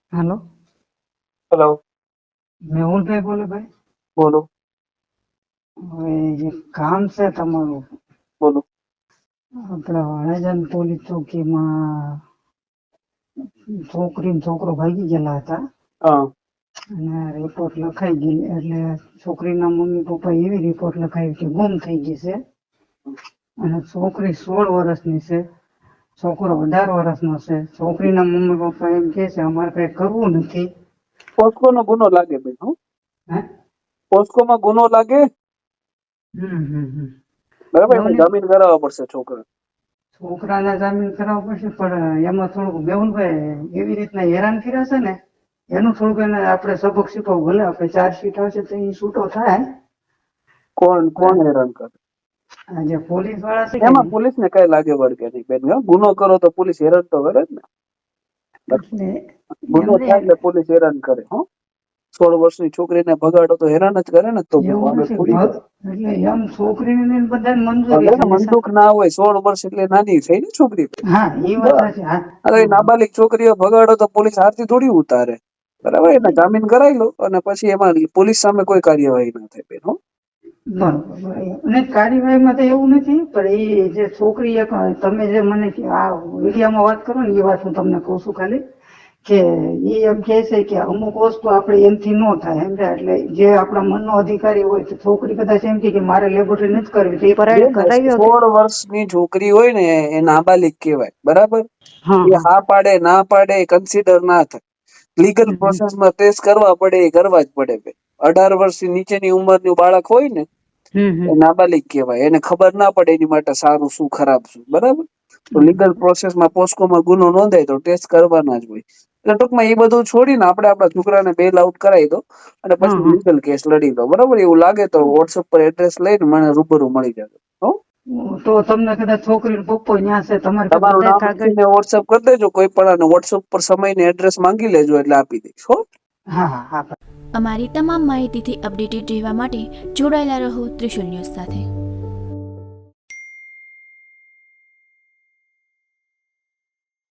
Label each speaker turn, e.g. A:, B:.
A: હાલો,
B: hello,
A: મેહુલભાઈ બોલે ભાઈ.
B: બોલો
A: હવે જે કામ છે તમારું,
B: બોલો.
A: આપણા વાણેજન પોલીસ ચોકીમાં છોકરી ને છોકરો ભાગી ગયેલા હતા
B: હા
A: અને રિપોર્ટ લખાઈ ગઈ. એટલે છોકરીના મમ્મી પપ્પા એવી રિપોર્ટ લખાવી કે ગુમ થઈ ગઈ છે. અને છોકરી 16 વર્ષની છે, છોકરો 18 વર્ષનો છે. છોકરીના મમ્મી પપ્પા એમ કે છે અમારે કઈ કરવું નથી.
B: પોસ્કો નો ગુનો લાગે બેન. હો,
A: હે?
B: પોસ્કો માં ગુનો લાગે. બરાબર,
A: એવું
B: એને
A: નહીં,
B: જામીન કરાવવા પડશે છોકરા.
A: છોકરાને જામીન કરાવવો પડશે, પણ એમાં થોડુંક મેહુલભાઈ એવી રીતના હેરાન કર્યા છે ને, એનું થોડુંક એને આપણે સબક શીખવું. ભલે આપણે ચાર્જશીટ આવશે તો એ છૂટો થાય.
B: કોણ કોણ
A: પણ
B: હેરાન કરે?
A: આ જે પોલીસ વાળા છે કે
B: એમાં
A: નહીં,
B: પોલીસ ને કઈ લાગે વળગે નહીં બેન. હો, ગુનો કરો તો પોલીસ હેરાન તો કરે જ ને.
A: એટલે
B: ગુનો
A: એમને
B: થાય એટલે પોલીસ હેરાન કરે. હો, 16 વર્ષની છોકરીને ભગાડો તો હેરાન જ કરે ને. તો
A: એવું
B: આગળ
A: નથી
B: થોડી કરે.
A: એટલે એમ છોકરીને બધાને મંજૂરી
B: ભલે
A: છે
B: ને મનદુખ ના હોય, 16 વર્ષ એટલે નાની થઈ ને છોકરી.
A: હા, એ વાત સાચી. હા,
B: અરે નાબાલિગ છોકરીઓ ભગાડો તો પોલીસ હાથથી થોડી ઉતારે. બરાબર, એને જામીન કરાવી લો અને પછી એમાં પોલીસ સામે કોઈ કાર્યવાહી ના થાય બેન. હો,
A: બરોબર. અને કાર્યવાહીમાં તો એવું નથી, પણ એ જે છોકરી તમે જે મને આ વિડીયામાં વાત કરો ને, એ વાત હું તમને કહું છું ખાલી કે એ એમ કે છે કે અમુક વસ્તુ આપણે એમથી ન થાય એમ. એટલે જે આપણા મનનો અધિકારી હોય તો છોકરી કદાચ એમ કે મારે લેબોરેટરી નથી કરવી તો એ પરાયે કરાવી શકે.
B: 16 વર્ષની છોકરી હોય ને એ નાબાલિગ કહેવાય. બરાબર,
A: હા
B: એ હા પાડે ના પાડે કન્સિડર ના થાય. લીગલ પ્રોસેસમાં ટેસ્ટ કરવા પડે, એ કરવા જ પડે બેન. 18 વર્ષની નીચેની ઉંમરનું બાળક હોય ને એ નાબાલિગ કહેવાય. એને ખબર ના પડે એની માટે સારું શું ખરાબ શું. બરાબર, તો લીગલ પ્રોસેસમાં પોસ્કોમાં ગુનો નોંધાય તો ટેસ્ટ કરવાના જ હોય. એટલે ટૂંકમાં એ બધું છોડીને આપણે આપણા છોકરાને બેલ આઉટ કરાવી દો અને પછી લીગલ કેસ લડી દો. બરાબર, એવું લાગે તો વોટ્સઅપ પર એડ્રેસ લઈને મને રૂબરૂ મળી જજો. હો,
A: તો તમને કદાચ છોકરી પપ્પો ત્યાં છે તમારે
B: તમારું
A: બધા
B: નામ
A: કાગળ.
B: લખીને વોટ્સઅપ કરી દેજો કોઈ પણ, અને વોટ્સઅપ પર સમય ને એડ્રેસ માંગી લેજો એટલે આપી દઈશ. હો,
A: હા હા હા.
C: અમારી તમામ માહિતીથી અપડેટેડ રહેવા માટે જોડાયેલા રહો ત્રિશુલ ન્યૂઝ સાથે.